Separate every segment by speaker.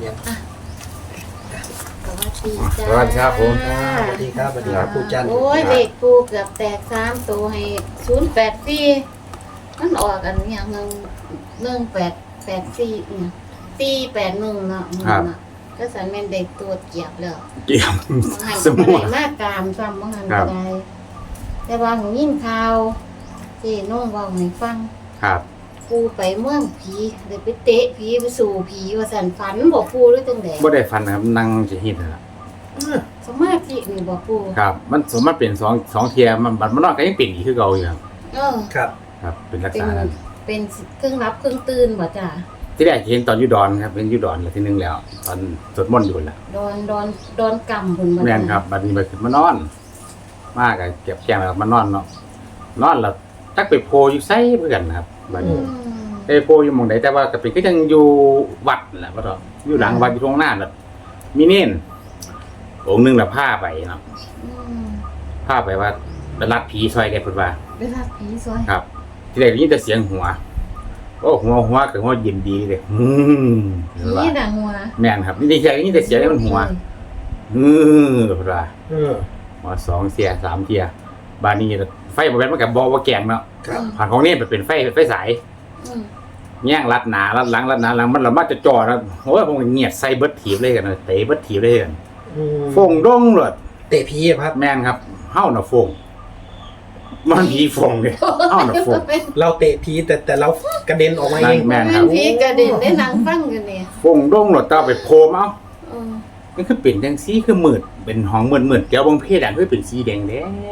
Speaker 1: ยัง
Speaker 2: สวัสดีครับผม
Speaker 1: สวัสดีครับปู่จันทร์
Speaker 3: โอ้ยเลขปูเกือบแตก3ตัวให้084มันออกกันอย่าง1884เนี่ย481เนาะก็สันแม่นเด็กตัวเกียบแล้ว
Speaker 2: เกี่ยม
Speaker 3: หัน
Speaker 2: ส
Speaker 3: ก็
Speaker 2: มุ
Speaker 3: ได้
Speaker 2: น
Speaker 3: มากกามซ้ำบ่หันก็ได้แต่ว่าหนูยินข่าวที่น้องเว้าให้ฟัง
Speaker 2: ครับ
Speaker 3: ปูไปเมืองผีเลยไปเตะผีไปสู่ผีว่าสันฝันบ่ปูหรือจังได๋
Speaker 2: บ่ได้ฟันนะครับนั่งจะหินนั่นล่ะ
Speaker 3: สมาธินี่บ่ปู
Speaker 2: ครับ มันสมมติเป็นสองเทียมันบัดมันนอนก็ยังเป็นอีกคือเก่าอยู่ครับ
Speaker 1: ครับ
Speaker 2: ครับ เป็นลัก
Speaker 3: เป็
Speaker 2: ษ
Speaker 3: น
Speaker 2: ณะนั้น
Speaker 3: เป็นเครื่องรับเครื่องตื่นบ่จ้ะ
Speaker 2: ที่แรกเห็นตอนอยู่ดอนครับเป็นอยู่ดอนแล้วทีนึงแล้ว ตอนสวดมนต์อยู่แล้ว
Speaker 3: ดอนกำเพิ่นบ่
Speaker 2: แม่นครับบัดนี้ไปขึ้นมานอน มากอะเก็บแก้มแล้วมานอนเนาะนอนแล้วตักไปโพอยู่ไสเพื่อนครับบัดนี้ไปโพอยู่หม่องใดแต่ว่าก็เป็นก็ยังอยู่วัดแหละว่าเถอะอยู่หลังวัดอยู่ตรงหน้าแบบมีเน้นองค์หนึงน่ะพาไปเนาะ พาไปว่าไปรัดผีซอยแกพูดว่า
Speaker 3: เวลาผีซอย
Speaker 2: ครับ ที่แรกได้ยินแต่เสียงหัวโอ้หัวคือหัวยินดีเลยเห็นว่า
Speaker 3: นี่น่ะหัว
Speaker 2: แม่นครับนี่ได้ยินแต่เสียงนี่มันหัวพูดว่าหัว2เสีย3เทียบานนี้ไฟบ่แม่นมันก็บ่ว่าแกงเนาะ
Speaker 1: ครับ
Speaker 2: ผ่านของนี่เป็นไฟสาย
Speaker 3: อืม
Speaker 2: แย่งรัดหน้ารัดหลังมันละมาจะจ่อนะโอ้ยผมเงียบใส่เบิดถีบเลยกันนะเตะเบิดถีบเลยกันฟงดงเลย
Speaker 1: เตะผีครับ
Speaker 2: แม่นครับเฮาน่ะฟงมันผีฟงเลยเฮาน่ะฟง
Speaker 1: เราเตะผีแต่เรากระเด็นออกมาเอง
Speaker 2: แม่นครับ
Speaker 3: ผีกระเด็นได้นั่งฟังอยู่เนี่ย
Speaker 2: ฟงดงหลดตาไปโพมเอา
Speaker 3: เออ
Speaker 2: มันคือเป็นจังซี่คือมืดเป็นห้องมืดๆแก้วบางเพศอ่ะคือเป็นสีแดง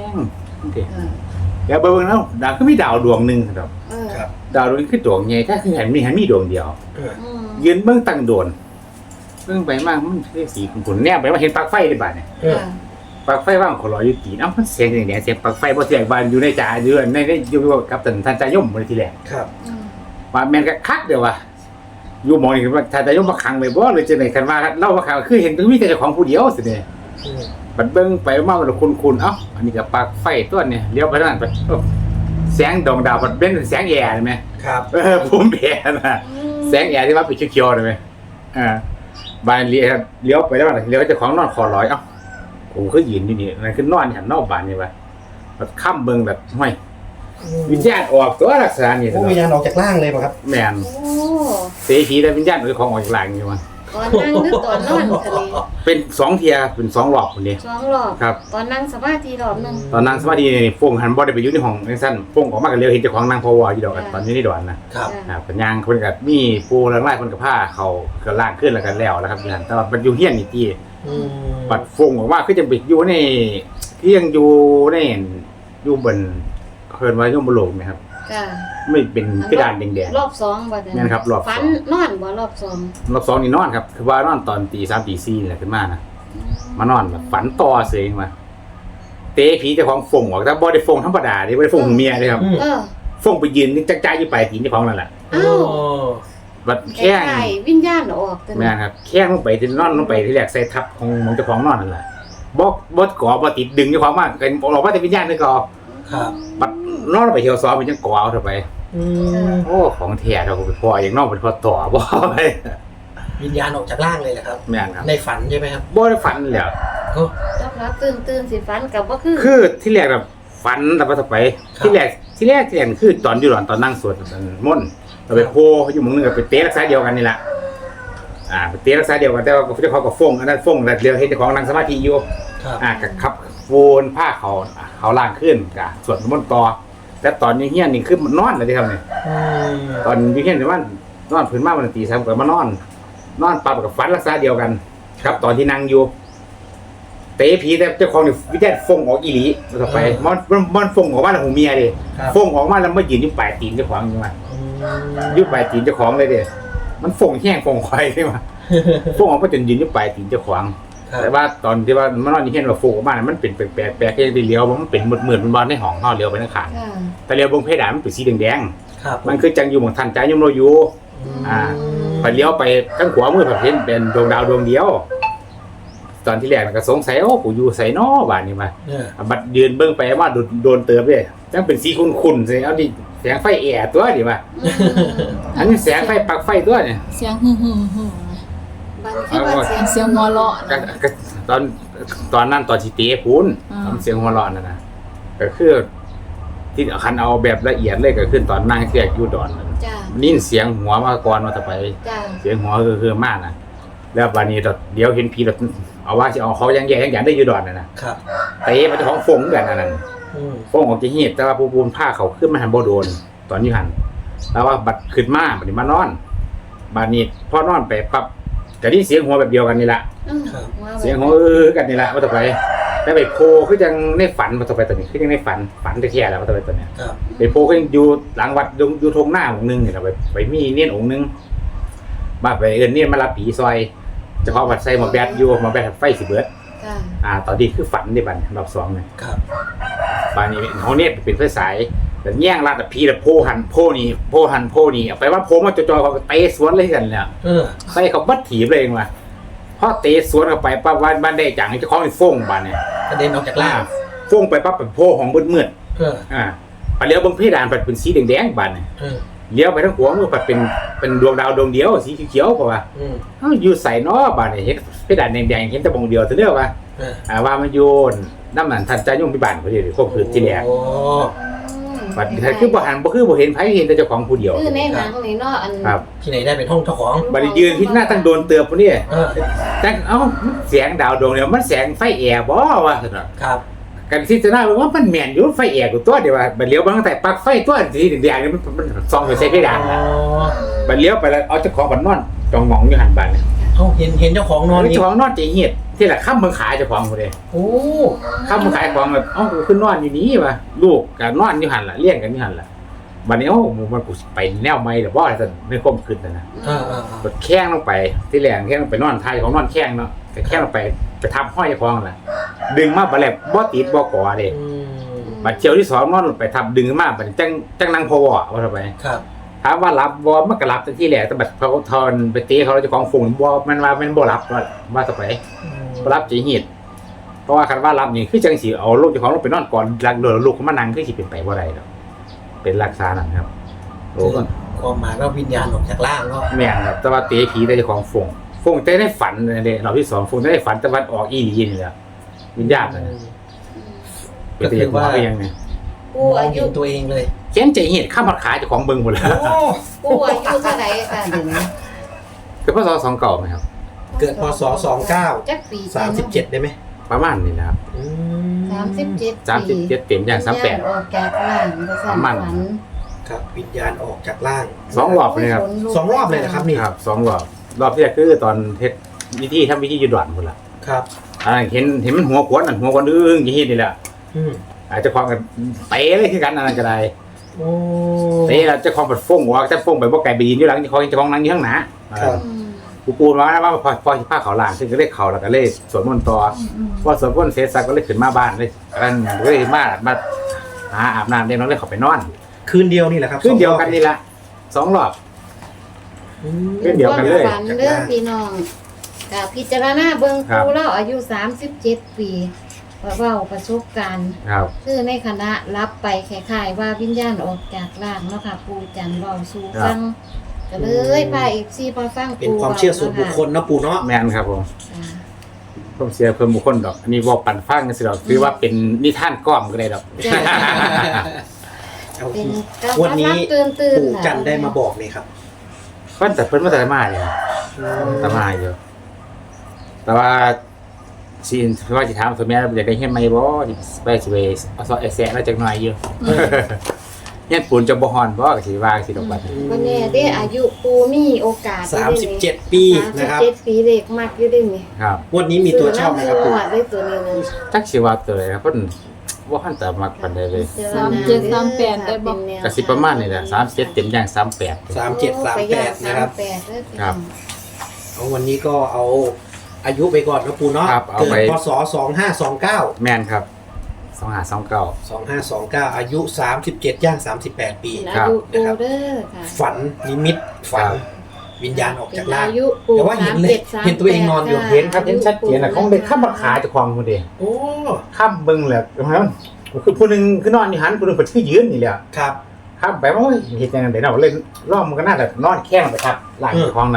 Speaker 2: แก้วเบิ่งแล้วดาวคือมีดาวดวงนึงครับ
Speaker 3: เออ
Speaker 1: ครับ
Speaker 2: ดาวดวงนี้คือดวงใหญ่ถ้าคือเห็นมีดวงเดียว
Speaker 3: อืม
Speaker 2: ยืนเบิ่งตั้งโดนเบิ่งไปมากมันคือสีขุ่นๆแนบไปว่าเห็นปลั๊กไฟได้บาดเนี่ย
Speaker 3: ค่ะ
Speaker 2: ปลั๊กไฟว่างขอรออยู่ตีนเอ้ามันเสียงแดงๆเสียงปลั๊กไฟบ่เสียงบานอยู่ในจ่าอยู่ในอยู่กับท่านจายมมื้อทีแรก
Speaker 1: ครับ
Speaker 3: อืม
Speaker 2: ว่าแม่นก็คักเด้อว่าอยู่หมองนี่ว่าท่านจายมมาขังไว้บ่หรือจังได๋คันว่าเล่าว่าขังคือเห็นมีแต่เจ้าของผู้เดียวสิเนี่ย บัดเบิ่งไปมามันคุณเอ้าอันนี้ก็ปลั๊กไฟตัวเนี่ยเลี้ยวไปทางนั้นไปแสงดวงดาวบัดเป็นแสงแอร์ใช่มั้ย
Speaker 1: ครับ
Speaker 2: ภูมิแพ้น่ะแสงแอร์ที่ว่าเป็นเขียวๆใช่มั้ยบานเลี้ยวไปแล้วเลี้ยวเจ้าของนอนคอลอยเอ้าผมคือยืนอยู่นี่นั่นคือนอนหันนอกบ้านนี่ว่าบัดค่ำเบิ่งแบบห้อยวิญญาณออกตัวลักษณะนี้
Speaker 1: โอ้วิญญาณออกจากร่างเลยป่ะครับ
Speaker 2: แม่น
Speaker 3: โอ้
Speaker 2: เสียผีแต่วิญญาณของออกจากหลังอยู่ว่า
Speaker 3: ตอนนั่งหรือตอนนอนคะนี่
Speaker 2: เป็น2เที่ยเป็น2รอบพุ่นนี่
Speaker 3: 2รอบ
Speaker 2: ครับ
Speaker 3: ตอนนั่งสมาธิรอบหนึง
Speaker 2: ตอนนั่งสมาธินี่ฟงหันบ่ได้ไปอยู่ในห้องจังซั่นฟงออกมาก็เลี้ยวเห็นเจ้าของนั่งพอวอยู่ดอกกันตอนนี้ในดอนนะครับ ปัญญางเพิ่นก็มีปูแล้วไล่เพิ่นก็พาเขาก็ล่างขึ้นแล้วก็แล้วครับนั่นแต่ว่ามันอยู่เฮียนนี่ติบัดฟงออกมาคือจังไปอยู่ในที่ยังอยู่ในอยู่บนเพิ่นว่าอยู่บนโลกนะครับ
Speaker 3: จ้ะ
Speaker 2: ไม่เป็นกระดานแดง
Speaker 3: รอบ2บ่จ้ะ
Speaker 2: แม่นครับรอบสอง
Speaker 3: ฝันนอนบ่รอบ2
Speaker 2: ๆรอบ2นี่นอนครับคือว่านอนตอนตี3ตี4นี่แหละขึ้นมานะมานอนแบบฝันต่อเสยมาเตะผีเจ้าของฟงออกแต่บ่ได้ฟงธรรมดาเด้บ่ได้ฟงของเมียเด้ครับ
Speaker 3: เออ
Speaker 2: ฟงไปยืนนึกจักจ่ายอยู่ปลายตีนเจ้าของนั่นแหละ
Speaker 3: อ้าว
Speaker 2: บัด
Speaker 3: แค่
Speaker 2: แข้ง
Speaker 3: วิญญาณออกแต่
Speaker 2: แม่นครับแข้งลงไปที่นอนลงไปที่แรกใส่ทับของเจ้าของนอนนั่นแหละบ่ก่อบ่ติดดึงเจ้าของมากกันออกมาแต่วิญญาณนึงก็
Speaker 1: ครับ
Speaker 2: บัดนอนลงไปเที่ยวซ้อมมันยังก่อเอาเถอะไปโอ้ของแท้เท่ากับพ่ออย่างนอกเป็นพ่อต่อบ่ไป
Speaker 1: วิญญาณออกจากร่างเลยแหละครับ
Speaker 2: แม่นครับ
Speaker 1: ในฝันใช่ไหมครับ
Speaker 2: บ่ได้ฝันแล้ว
Speaker 3: รับรับตื่นสิฝันกับบ่คือ
Speaker 2: คือที่แรกแบบฝันแต่ว่าต่อไปที่แรกคือตอนอยู่ตอนนั่งสวดมนต์เราไปโพอยู่หมึงนึงก็ไปเตะรักษาเดียวกันนี่แหละไปเตะรักษาเดียวกันแต่ว่าเจ้าของก็ฟงอันนั้นฟงแล้วเดียวเห็นเจ้าของนั่งสมาธิอยู่
Speaker 1: ครับ
Speaker 2: ก็ขับวนผ้าเขาล่างขึ้นก็สวดมนต์ต่อแต่ตอนนี้เฮียนนี่คือมันนอนเลยที่ทำเนี่ยตอนอยู่เฮียนว่านอนพื้นมาวันตี3ก็มานอนปั๊บกับฝันรักษาเดียวกัน ครับตอนที่นั่งอยู่เตะผีแต่เจ้าของนี่วิญญาณฟงออกอีหลีต่อไปมันฟงออกมาแล้วหูเมียดิฟงออกมาแล้วมายืนอยู่ปลายตีนเจ้าของอยู่มาอยู่ปลายตีนเจ้าของเลยเด้มันฟงแห้งฟงควายใช่ไหมฟงออกมาจนยืนอยู่ปลายตีนเจ้าของแต่ว่าตอนที่ว่ามันนอนอยู่เฮียนว่าฟงออกมามันเป็นแปลกๆแค่ได้เลี้ยวมันเป็นมืดๆมันบอลในห้องเฮาเลี้ยวไปทางข้าง
Speaker 3: ค่ะ
Speaker 2: แต่เลี้ยวบนเพดานมันเป็นสีแดง
Speaker 1: ครับ
Speaker 2: ๆมันคือจังอยู่หม่องทันใจยมโรอยู่พอเลี้ยวไปข้างขวามือผัดเห็นเป็นดวงดาวดวงเดียวตอนที่แรกก็สงสัยกูอยู่ไสน้อบ้านนี้มาบัดยืนเบิ่งไปว่าโดนเติบเด้จังเป็นสีขุ่นๆสิเอาดิแสงไฟแอร์ตัวดิว่าอันนี้แสงไฟปลั๊กไฟตัวเนี่ย
Speaker 3: เสียงฮึ่มๆๆบบันคือว่าเสียง
Speaker 4: เสียงหัวเราะ
Speaker 2: ก็ตอนนั้นตอนที่เตะพูน
Speaker 4: อ่า
Speaker 2: ทำเสียงหัวเราะนั่นนะก็คือที่คันเอาแบบละเอียดเลยก็คือตอนนั่งเสียกอยู่ดอนนั่น
Speaker 3: จ้า
Speaker 2: นิ่นเสียงหัวมาก่อนมาต่อไป
Speaker 3: จ้า
Speaker 2: เสียงหัวคือมากนะแล้ววันนี้เดี๋ยวเห็นผีแบบเอาว่าจะเอาเขายังแย่ยังได้อยู่ดอนนะครับ เตะมันจะของฟงกันนั่น
Speaker 1: อืม
Speaker 2: ฟงออกจากเหตุแต่ว่าปูนผ้าเขาขึ้นมาหันบ่โดน ตอนนี้หันแล้วว่าบัดขึ้นมาบัดนี้มานอนบัดนี้พอนอนไปปั๊บก็ได้เสียงหัวแบบเดียวกันนี่แหละ เสียงหัวกันนี่แหละมาต่อไปแล้วไปโพคือยังในฝันมาต่อไปตัวนี้คือยังในฝันแท้ๆแล้วมาต่อไปตัวเนี้ย
Speaker 1: ครับ
Speaker 2: ไปโพก็ยังอยู่หลังวัดอยู่ทงหน้าองค์นึงนี่แหละไปมีเนียนองค์นึงบ้าไปเอิ้นเนียนมารับผีซอยเฉพาะวัดใส่หมอแบดอยู่หมอแบดไฟสิเบิด
Speaker 3: จ้า
Speaker 2: ตอนนี้คือฝันในบัดรอบ2เนี่ย
Speaker 1: ครับ
Speaker 2: บ้านนี้เขาเนี่ยเป็นไฟสายแต่แย่งลาดผีแต่โพหันโพนี่เอาไปว่าโพมาจอยๆเขาก็เตะสวนเลยกันเนี่ย ใส่เขาบัดถีบเลยเองว่ะพอเตะสวนเข้าไปปั๊บวันบ้านได้จังเจ้าของนี่ฟ้งบ้านเนี่ย
Speaker 1: กระเด็นออกจากล่าง
Speaker 2: ฟ้งไปปั๊บเป็นโพของมืด ไปเลี้ยวบางเพดานเป็นสีแดงๆบ้านเนี่ยเลี้ยวไปทั้งหัวมือเป็นดวงดาวดวงเดียวสีเขียวๆเพราะว่าอยู่ใส่นอบ้านเนี่ยเห็นเพดานแดงๆเห็นแต่บงเดียวเท่าเดียวว่าว่ามันโยนน้ำหนันทันใจยุ่งที่บ้านพอดีเลยควบคืนที่แรกบัดคือบ่หันบ่เห็นไผเห็นแต่เจ้าของผู้เดียว
Speaker 3: คือในหนังนี่เนาะอัน
Speaker 2: ครับ
Speaker 1: ที่ไหนได้เป็นห้องเจ้าของ
Speaker 2: บัดยืนที่หน้าตั้งโดนเตือบผู้นี้แต่แสงดาวดวงเดียวมันแสงไฟแอร์บ่วะซั่นน่ะ
Speaker 1: ครับ
Speaker 2: กันที่จะน่าว่ามันแม่นอยู่ไฟแอร์กูตัวเดียวว่าบัดเลี้ยวบางแต่ปลั๊กไฟตัวสีแดงๆนี่มันส่องไปใส่เพดานน่ะบัดเลี้ยวไปแล้วเอาเจ้าของบัดนอนจองหมองอยู่หันบ้านเนี่ย
Speaker 1: เห็นเจ้าของนอน
Speaker 2: เจ้าของนอนใจเหี้ยที่ละค่ำเบิ่งขายเจ้าของผู้ใด
Speaker 1: โอ้
Speaker 2: ค่ำเบิ่งขายของแบบกูขึ้นนอนอยู่นี่ว่ะลูกก็นอนอยู่หันล่ะเลี้ยงกันอยู่หันล่ะบัดนี้มันกูไปแนวใหม่หรือบ่ซั่นไม่ความคิดน่ะนะ กดแข้งลงไปที่แหลงแข้งลงไปนอนไทยของนอนแข้งเนาะแต่แข้งลงไปทับห้อยคองแหละดึงมาบัดแลบบ่ติดบ่ก่อเด้บัดเจียวที่2นอนลงไปทับดึงมาบัดจังนั่งพอว่าทำไม
Speaker 1: ครับ
Speaker 2: ถามว่ารับบ่มันก็รับแต่ที่แหลแต่บัดเขาทอนไปตีเขาเจ้าของฝูงบ่มันว่ามันบ่รับว่าต่อไปบ่รับจีหิดเพราะว่าคันว่ารับนี่คือจังสิเอาลูกเจ้าของลงไปนอนก่อนหลังโดนลูกเขามานั่งคือสิเป็นไปบ่ได้ดอกเป็นรักษานั่นครับโอ้ก็
Speaker 1: ความหมายว่าวิญญาณออกจากล่างเนาะ
Speaker 2: แม่นครับแต่ว่าเตะผีได้เจ้าของฟงแต่ในฝันเนี่ยเราที่2ฟงได้ฝันแต่วันออกอีหลีนี่แหละวิญญาณน่ะเป็นแต่ว่ายังไง
Speaker 3: ปู่
Speaker 1: มอ
Speaker 3: อาง
Speaker 1: เห็
Speaker 3: ยุ
Speaker 1: นตัวเองเลย
Speaker 2: เขียนใจเห็นข้ามขาเจ้าของเบิ่งหมดแล้ว
Speaker 3: ปู่อายุเท่าไหร่ค่ะเดี๋ยวนี้
Speaker 2: คือพศ2เก่าไหมครับ
Speaker 1: เกิดพศ29
Speaker 3: จักปี
Speaker 1: 37ได้ไหม
Speaker 2: ประมาณนี้นะครับ
Speaker 3: 37
Speaker 2: 37เต็มอย่าง
Speaker 3: ออกจากล่างก็สั่นฝัน
Speaker 1: ครับวิญญาณออกจากล่าง
Speaker 2: 2รอบเลยครับ
Speaker 1: 2 รอบเลยนะครับนี่
Speaker 2: ครับ2รอบที่แรกคือตอนเฮ็ดทำวิธีอยู่ด่านพุ่นล่ะ
Speaker 1: ครับ
Speaker 2: เห็นมันหัวขวนหัวขวนอึ้งอย่างนี้นี่แหละ อาจจะความกันเตะเลยคือกันนั่นก็ได้
Speaker 1: โอ้
Speaker 2: เตะแล้วเจ้าของปัดฟ้งว่าจะฟ้งไปบ่ไกลไปยืนอยู่หลังเจ้าของนั่งอยู่ข้างหน้ากูปูนว่าพอสิพาเขาล่างซึ่งก็เลยเข้าแล้วก็เลยสวดมนต์ต่อพอสวดมนต์เสร็จสักก็เลยขึ้นมาบ้านเลยกันก็เลยมาหาอาบน้ำเด็กน้องเลยเข้าไปนอน
Speaker 1: คืนเดียวนี่แหละครับ
Speaker 2: คืนเดียวกันนี่ละ2รอบ คืนเดียวกันเลย
Speaker 3: ฝันเรื่องพี่น้องกับพิจารณาเบิ่งปู่เราอายุ37 ปีเว้าประสบการณ์
Speaker 2: ครับ
Speaker 3: คือในคณะรับไปคล้ายๆว่าวิญญาณออกจากร่างเนาะค่ะปู่จันทร์เว้าสู่ฟังก็เลยพา FC มาฟัง
Speaker 1: เป็นความเชื่อส่วนบุคคลนะปู่เนาะ
Speaker 2: แม่นครับผมผมเสียเพิ่มบุคคลดอกอันนี้บอกปั่นฟังกันสิดอกคือว่าเป็นนิทานก้อมก็ได้ดอก
Speaker 3: เป็นการ
Speaker 1: วันนี้
Speaker 3: ตื่น
Speaker 1: ปู่จันทร์ได้มาบอกเลยครับ
Speaker 2: เพิ่นแต่เพิ่นมาแต่มาเนี่ยแต่มาอยู่แต่ว่าสิว่าสิถามตัวแม่อยากได้เฮ็ดใหม่บ่ไปสิไปเอาซอแซะแล้วจักหน่อยอยู่เฮ็ดปูนจะบ่ฮ้อนบ่ก็สิว่าสิดอกบัดนี้
Speaker 3: วันนี้ได้อายุปูมีโอกาส
Speaker 1: 37 ปีนะครับ
Speaker 3: 37 ปีเด็กมากอยู่ด้วยนี่
Speaker 2: ครับ
Speaker 1: วันนี้มีตัวชอบไหมครับปู่
Speaker 3: ได้ตัวนี้นึง
Speaker 2: จักสิว่าตัวใดครับเพิ่นบ่ทันแต่มักปานใดเลย
Speaker 4: 37 ได้บ่
Speaker 2: ก็สิประมาณนี้แหละ37เต็มอย่าง38
Speaker 1: 3738นะครับ
Speaker 2: ครับ
Speaker 1: เอาวันนี้ก็เอาอายุไปก่อนนะปู่เนาะ
Speaker 2: ครับเอา
Speaker 1: เกิด
Speaker 2: ไป
Speaker 1: พศ2529
Speaker 2: แม่นครับ2529
Speaker 1: 2529 อายุ 37 ย่าง 38 ปี
Speaker 3: อายุปูเด้อค่ะ
Speaker 1: ฝันนิมิตฝันวิญญาณออกจากร่าง
Speaker 3: อายุปู
Speaker 1: แต่ว่าเห็นเลย
Speaker 3: 37
Speaker 1: เห็นตัวเองนอนอยู่
Speaker 3: 38
Speaker 2: เห็นครับเห็นชัดเจนน่ะของเด็กข้ามขาเจ้าของพุ่นเด้
Speaker 1: โอ้
Speaker 2: ข้ามเบิ่งแหละคือผู้หนึงคือนอนอยู่หันผู้หนึงเพิ่นคือยืนนี่แหละ
Speaker 1: ครับ
Speaker 2: ครับไปว่าเฮ็ดจังได๋เนาะเล่นรอบมันก็น่าจะนอนแข้งไปครับหลังเจ้าของนั่นล่ะ
Speaker 3: อื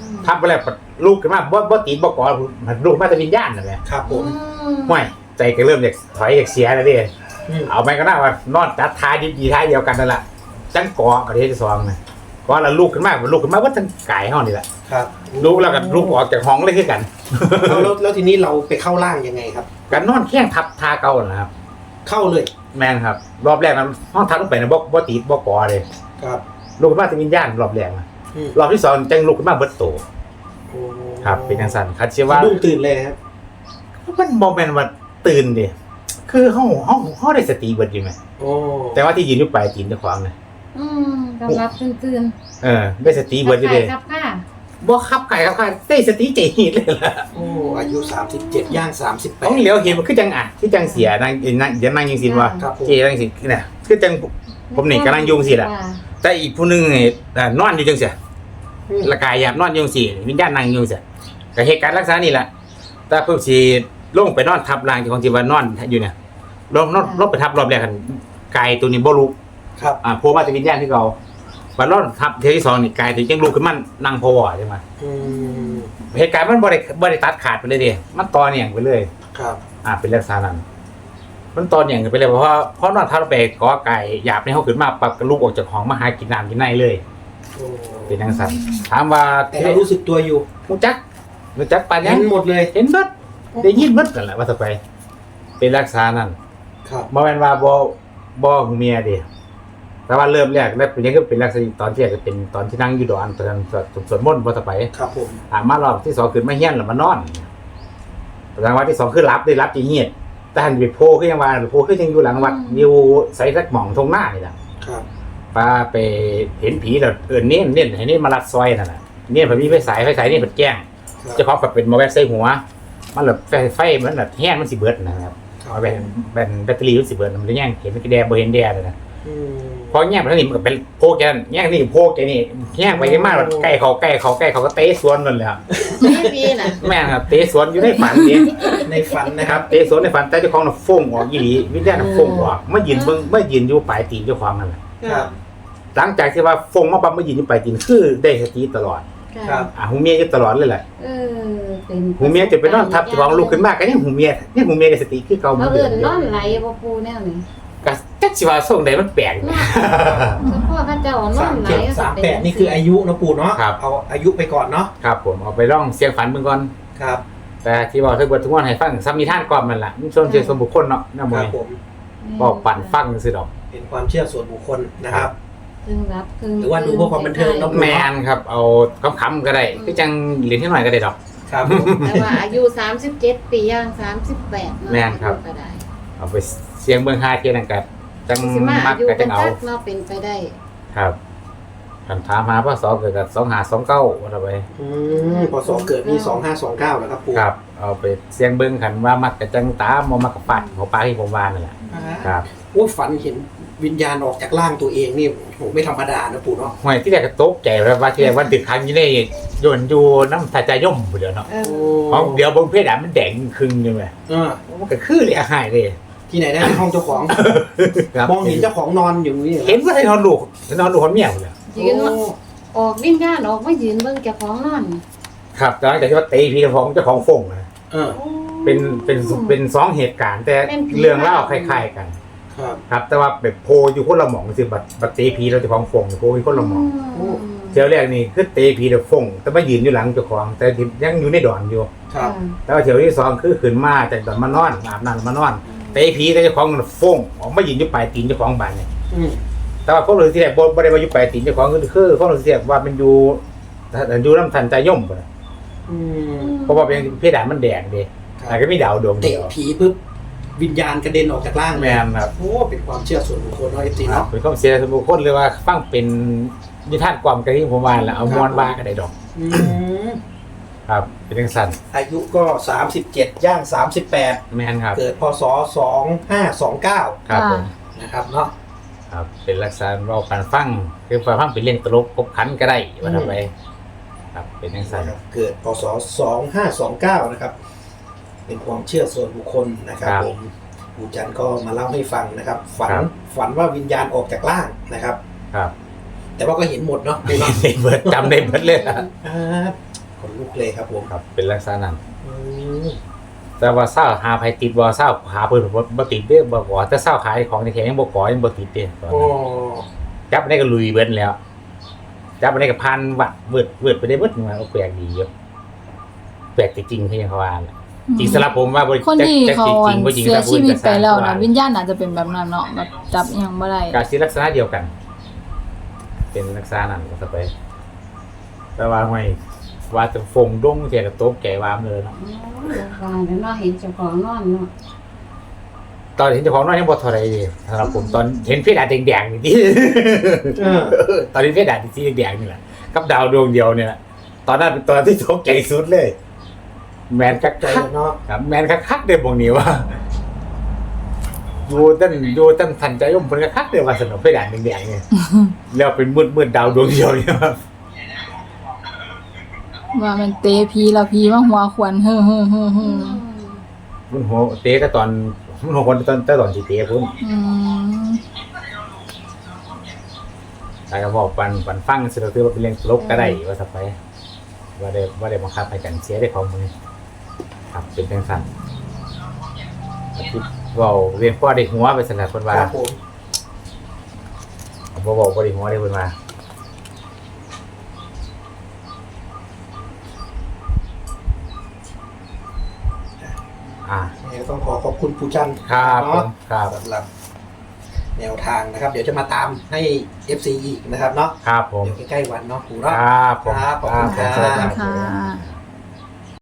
Speaker 2: ทับไปแล้วลูกขึ้นมาบ่ตีบ่ก่อลูกมาแต่วิญญาณน่ะแหละ
Speaker 1: ครับผม
Speaker 2: ห้วยใจก็เริ่มอยากถอยอยากเสียแล้วดิเอาไปก็น่าว่านอนจัดท้ายดีท้ายเดียวกันนั่นแหละจังก่อกับที่สองนะก่อแล้วลูกขึ้นมาว่าทั้งกายห้องนี่แหละ
Speaker 1: ครับ
Speaker 2: ลูกแล้วก็ลูกออกจากห้องเลยคือกัน
Speaker 1: แล้วทีนี้เราไปเข้าร่างยังไงครับ
Speaker 2: กันนอนแข้งทับทาเก่านะครับ
Speaker 1: เข้าเลย
Speaker 2: แม่นครับ รอบแรกนั้นห้องทับลงไปนะบ่ตีบ่ก่อเลย
Speaker 1: ครับ
Speaker 2: ลูกขึ้นมาแต่วิญญาณรอบแรกนะ
Speaker 1: อืม
Speaker 2: รอบที่สองจังลูกขึ้นมาเบิดโต
Speaker 1: โอ้
Speaker 2: ครับเป็นจังซั่นคัดเชื่อว่า
Speaker 1: สะดุ้งตื่นเลยครับ
Speaker 2: มันบ่แม่นว่าตื่นดิคือเฮาได้สติเบิดอยู่ไหม
Speaker 1: โอ้
Speaker 2: แต่ว่าที่ยืนอยู่ปลายตีนเจ้าของน่ะ
Speaker 3: กำลับตื่น
Speaker 2: ได้สติ
Speaker 3: ๆ
Speaker 2: เบิดอยู่เด้
Speaker 3: ครับค่ะ
Speaker 2: บ่ขับไก่ครับค่ะได้สติใจหีดเลยล่ะ
Speaker 1: โอ้อายุ37ย่าง
Speaker 2: ของเหลียวเห็นมันคือจังคือจังเสียนางอย่านั่งจังซี่ว่า
Speaker 1: 38ครับผม
Speaker 2: เจนั่งสิเนี่ยคือจังผมนี่กำลังยุ่งสิล่ะแต่อีกผู้หนึงนี่นอนอยู่จังซี่ละกายหยาบนอนอยู่จังซี่วิญญาณนั่งอยู่จังซี่ก็เหตุการณ์ลักษณะนี้ล่ะแต่เพิ่นสิลงไปนอนทับร่างของที่ว่านอนอยู่เนี่ยลงไปทับรอบแรกกันกายตัวนี้บ่รู้
Speaker 1: ครับ
Speaker 2: โผล่มาแต่วิญญาณที่เก่าบัดนอนทับเทื่อที่สองนี่กายถึงจังลุกขึ้นมานั่งพอวใช่มั้ย
Speaker 1: อืม
Speaker 2: เหตุการณ์มันบ่ได้ตัดขาดไปเลยดิมันต่อเนื่องไปเลย
Speaker 1: ครับ
Speaker 2: เป็นลักษณะนั้น มันต่อเนื่องกันไปเลยเพราะนอนทับลงไปกอไก่หยาบในห้องขึ้นมาปรับกระลุกออกจากห้องมาหากินน้ำกินในเลย
Speaker 1: โอ้
Speaker 2: เป็นจังซั่นถามว่า
Speaker 1: แต่เรารู้สึกตัวอยู่
Speaker 2: รู้จักปานยั
Speaker 1: เห็
Speaker 2: ง
Speaker 1: นหมดเลย
Speaker 2: เห็นเบิดได้ยินเบิดนั่นแหละว่าซะไป เป็นลักษณะนั้น
Speaker 1: ครับ
Speaker 2: บ่แม่นว่าบ่หูเมียเด้แต่ว่าเริ่มแรกแล้วเป็นยังก็เป็นลักษณะตอนที่แรกก็เป็นตอนที่นั่งอยู่ดอนตอนนั้นสวดมนต์บ่ซะไป
Speaker 1: ครับผม
Speaker 2: มารอบที่สองขึ้นมาเฮียนแล้วมานอนรางวัลที่สองคือรับได้รับจีเงียดแต่หันไปโพขึ้นยังว่าโพขึ้นยังอยู่หลังวัดอยู่ใส่สักหม่องทงหน้านี่แหละ
Speaker 1: ครับ
Speaker 2: ป้าไปเห็นผีแล้วเน้นให้เน้นมาลัดซอยนั่นแหละเนี่ยผมมีไฟฉายนี่มันแจ้ง
Speaker 1: ครับ
Speaker 2: เจ้าของกับเป็นมาแวะใส่หัว มันแบบไฟมันแบบแห้งมันสิเบิดนะครับเอาแบนแบตเตอรี่มันสิเบิดมันจะแย่งเห็นมันก็แดงบ่เห็นแดงเลยนะ
Speaker 1: อืม
Speaker 2: พอแย่งไปแล้วนี่มันก็เป็นโพแกนแย่งนี่โพแกนี่แย่งไปกันมากแบบใกล้เขาก็เตะสวนนั่นแหละ
Speaker 3: ไม่ปีน่ะ
Speaker 2: แม่ครับเตะสวนอยู่ในฝันนี่
Speaker 1: ในฝันนะ
Speaker 2: นะ
Speaker 1: ค
Speaker 2: ค
Speaker 1: รั
Speaker 2: รับ บเตะสวนในฝันแต่เจ้าของน่ะฟงออกอีหลีวิญญาณน่ะฟงออกมายืนอยู่ปลายตีนเจ้าของนั่นแหละ
Speaker 1: ครับ
Speaker 2: หลังจากที่ว่าฟงมาปั๊บมายืนอยู่ปลายตีนคือได้สติตลอด
Speaker 1: ครับ
Speaker 2: หูเมียอยู่ตลอดเลยแหละ
Speaker 3: เป็น
Speaker 2: หูเมียจะไปนอนทับเจ้าของลูกขึ้นมาก็ยังหูเมียได้สติคือเก่าเหมื
Speaker 3: เขา
Speaker 2: อนเดิ
Speaker 3: เอิ้
Speaker 2: ม
Speaker 3: นนอนไหลบ่ปูแนวนี้
Speaker 2: ก็จักสิว่าส่งใดมันแปลก
Speaker 3: เนาะพ่อพระเจ้านอนไหล
Speaker 1: 37 38นี่คืออายุนะปู่เนาะ
Speaker 2: ครับ
Speaker 1: เอาอายุไปก่อนเนาะ
Speaker 2: ครับผมเอาไปร่องเสียงฝันเบิ่งก่อน
Speaker 1: ครับ
Speaker 2: แต่ที่บอกทั้งหมดทั้งมวลให้ฟังซ้ำมีท่านก่อนมันล่ะมันชวนเชื่อส่วนบุคคลเนาะน้าม
Speaker 1: ค
Speaker 2: ว
Speaker 1: รั
Speaker 2: ย
Speaker 1: บผม
Speaker 2: บอกปั่นฟังซื่อดอก
Speaker 1: เป็นความเชื่อส่วนบุคคลนะครับ
Speaker 3: ครึ่งรับครึ่ง
Speaker 1: หรือว่าดูเพื่อความบันเทิงเนาะ
Speaker 2: แมนครับเอาคำๆก็ได้คือจังเหรียญที่หน่อยก็ได้ดอก
Speaker 1: ครับผม
Speaker 3: แต่ว่าอายุ37ปีย่าง38
Speaker 2: แม่นครับ
Speaker 3: ก็ได้
Speaker 2: เอาไปเสียงเบิ่ง5เที่ยนั่นก็จัง
Speaker 3: สิมา
Speaker 2: มั
Speaker 3: อาก ยุ
Speaker 2: ก็
Speaker 3: กั
Speaker 2: จั
Speaker 3: น
Speaker 2: งเอา
Speaker 3: จักเนาะเป็นไปได้
Speaker 2: ครับคำถามหาพศเกิดกับ2529ว่าไป
Speaker 1: พศเกิดนี่2529นะครับปู่
Speaker 2: ครับ เอาไปเสียงเบิ่งคันว่ามักก็จังตามบ่มักก็ปัดของปลาที่ผมว่านั่นแหละครับ
Speaker 1: โอ้ฝันเห็นวิญญาณออกจากร่างตัวเองนี่โหไม่ธรรมดานะปู่เนาะ
Speaker 2: ห่วยที่แรกก็ตกใจแล้วว่าที่แรกว่าติดค้างอยู่ในโยนอยู่น้ำทาใจย่อมผู้เดียวเนาะ ของเดี๋ยวบนเพดานมันแดงครึ่งใช่ไหม
Speaker 1: เออ
Speaker 2: มันก็คือเลยหายเลย
Speaker 1: ที่ไหนได้ในห้องเจ้าของ
Speaker 2: ครับ
Speaker 1: มองเห็นเจ้าของนอนอยู่นี่
Speaker 2: เห็นว่าให้นอนลูกคนเมียเลย
Speaker 3: ยืนว่าออกวิญญาณออกมายืนเบิ่งเจ้าของนอน
Speaker 2: ครับหลังจากที่ว่าตีพี่เจ้าของฟงนะ
Speaker 1: เออ
Speaker 2: เป็นสองเหตุการณ์แต่เรื่องเล่าคล้ายๆกัน
Speaker 1: ครับ
Speaker 2: ครับ แต่ว่าแบบโพอยู่คนละหม่องคือบัดตีพีเราเจ้าของฟงโพอยู่คนละหม่อง
Speaker 1: โอ้
Speaker 2: เที่ยวแรกนี่คือตีพีเราฟงแต่มายืนอยู่หลังเจ้าของแต่ยังอยู่ในดอนอยู่
Speaker 1: ครับ
Speaker 2: แต่ว่าเที่ยวที่สองคือขึ้นมาจากดอนมานอนอาบน้ำมานอนตีพีแต่เจ้าของฟงออกมายืนอยู่ปลายตีนเจ้าของบ้านเนี่ย
Speaker 1: อืม
Speaker 2: แต่ว่าพวกเราที่แรกบ่ได้มาอยู่ปลายตีนเจ้าของคือพวกเราที่แรกว่ามันอยู่น้ำทันใจย่อมบ่นะ
Speaker 1: อืม
Speaker 2: เพราะว่าเป็นเพดานมันแดงเด้แต่ก็มีดาวดวงเดี
Speaker 1: เตะ
Speaker 2: ยว
Speaker 1: ผีปุ๊บวิญญาณกระเด็นออกจากร่าง
Speaker 2: แมนครับ
Speaker 1: โอ้เป็นความเชื่อส่วนบุคคลเนาะเอฟซี
Speaker 2: ครับ
Speaker 1: เนาะ
Speaker 2: เป็นความเสียส่วนบุคคลเลยว่าฟังเป็นนิทานความกันที่ผมว่าแล้วเอามวนบ้าก็ได้ดอก
Speaker 1: อืม
Speaker 2: ครับ เป็นจังซั่น
Speaker 1: อายุก็37ย่าง38
Speaker 2: แมนครับ
Speaker 1: เกิดพศ2529
Speaker 2: ครับผม
Speaker 1: นะครับเนาะ
Speaker 2: ครับเป็นลักษณะเราการฟังคือฟังเป็นเรื่องตลกครบขันก็ได้ว่าทำไปครับเป็นจังซั่น
Speaker 1: เกิดพศ2529นะครับเป็นความเชื่อส่วนบุคคลนะครับผมปู่จันทร์ก็มาเล่าให้ฟังนะครับฝันว่าวิญญาณออกจากร่างนะครับ
Speaker 2: ครับ
Speaker 1: แต่ว่าก็เห็นหมดเนาะ
Speaker 2: ได้เบิดจำได้เบิดเลยนะ
Speaker 1: อ่านลุกเลยครับผม
Speaker 2: ครับเป็นลักษณะนั้น
Speaker 1: อืม
Speaker 2: แต่ว่าเศร้าหาไผติดบ่เศร้าหาเพิ่นบ่ติดเด้อบ่ก่อแต่เศร้าขายของในแขงยังบ่ก่อยังบ่ติดเด้ตอน
Speaker 1: โอ้
Speaker 2: นั้นจับได้ก็ลุยเบิดแล้วจับได้ก็พันวัดเวิดไปได้เบิดมาแปลกดีอยู่แปลกจริงๆคือยังเขาว่าแหละจริงสำหรับผมว่าบ่
Speaker 4: คนที่เขา
Speaker 2: จริงบ่จริง
Speaker 4: เสียชีวิตไปแล้วนะวิ
Speaker 2: ญ
Speaker 4: ญญาณอาจจะเป็นแบบนั้นเนาะแบบจับอหยังบ่ได้
Speaker 2: ก็สิลักษณะเดียวกัน เป็นลักษณะนั้นก็จะไป แต่ว่าไม่ว่าจะฟงดงเสียกับโต๊ะแก่วามเลยเนาะ
Speaker 3: ว่าแล้วเนาะเห็นเจ้าของนอนเนาะ
Speaker 2: ตอนเห็นเจ้าของน้อยยังบ่เท่าไหร่เลยสำหรับผมตอนเห็นเพดานแดงๆนี่ที่ ตอนนี้เพดานที่แดงๆนี่แหละกับดาวดวงเดียวเนี่ยแหละตอนนั้นเป็นตอนที่โต๊ะแก่สุดเลย แมนคัก
Speaker 1: ใจเนาะ
Speaker 2: ๆครับแมนคักๆเด้บ่งนี้ว่าดูตั้งทันใจย่อมเพิ่นคักๆเด้ว่าสนุกเพดานแดงๆนี่แล้วเป็นมืดๆดาวดวงเดียวเนี่ยครับ
Speaker 4: ว่ามันเตะผีแล้วผีมาหัวขวัญเฮ้อ
Speaker 2: มันหัวเตะก็ตอนมันหัวคนตอนสิเตะพุ่น
Speaker 4: อืม
Speaker 2: แต่ก็บอกปันฟังสิเราถือว่าเป็นเรื่องตลกก็ได้ว่าสักไปว่าได้บังคับให้กันเสียได้ของมือครับเป็นจังซั่นคิดเว้าเรียนพ่อได้หัวไปสนับเพิ่น
Speaker 1: ค
Speaker 2: ว่า
Speaker 1: รับผม
Speaker 2: บ่บอกบ่ได้หัวได้เพิ่นว่า
Speaker 1: เนี่ยต้องขอบคุณปู่จันทร์
Speaker 2: ครับผ
Speaker 1: เนาะ
Speaker 2: มครับ
Speaker 1: สำหรับแนวทางนะครับ เดี๋ยวจะมาตามให้ FC อีกนะครับเนาะ
Speaker 2: ครับผม
Speaker 1: เดี๋ยวใกล้ๆวันเนาะปู่
Speaker 2: ค
Speaker 1: เนาะ
Speaker 2: รับผม
Speaker 1: ครับขอบคุณครับ
Speaker 2: สวัสดี
Speaker 4: ค่ะ